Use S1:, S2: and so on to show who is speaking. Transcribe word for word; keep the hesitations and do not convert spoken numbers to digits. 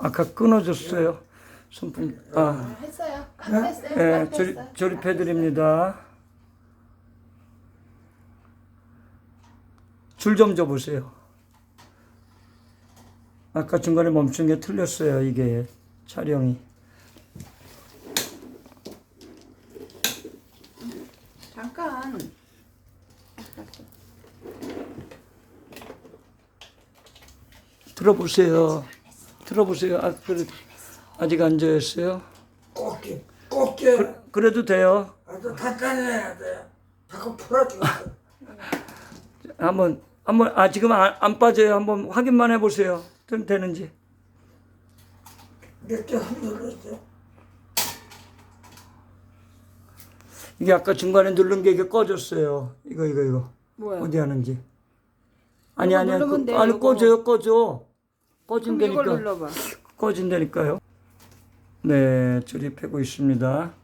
S1: 아까 끊어졌어요. 손품, 아,
S2: 했어요. 안 됐어요.
S1: 예,
S2: 안
S1: 조립,
S2: 됐어요.
S1: 조립해드립니다. 줄 좀 줘보세요. 아까 중간에 멈춘 게 틀렸어요, 이게 촬영이.
S2: 잠깐.
S1: 들어보세요. 들어보세요. 아, 그래, 아직 안 저였어요?
S3: 꽃게, 꽃게.
S1: 그, 그래도 돼요.
S3: 아주 단단해야 돼. 자꾸 풀어주겠어.
S1: 한번, 한번, 아, 지금 안, 안 빠져요. 한번 확인만 해보세요. 좀 되는지.
S3: 몇개 흔들었어.
S1: 이게 아까 중간에 누른 게 이게 꺼졌어요. 이거, 이거, 이거.
S2: 뭐야?
S1: 어디 하는지. 아니,
S2: 이거
S1: 아니,
S2: 누르면
S1: 그,
S2: 돼,
S1: 아니,
S2: 이거.
S1: 꺼져요, 꺼져.
S2: 그럼
S1: 꺼진다니까.
S2: 이걸 눌러봐.
S1: 꺼진다니까요. 네, 조립하고 있습니다.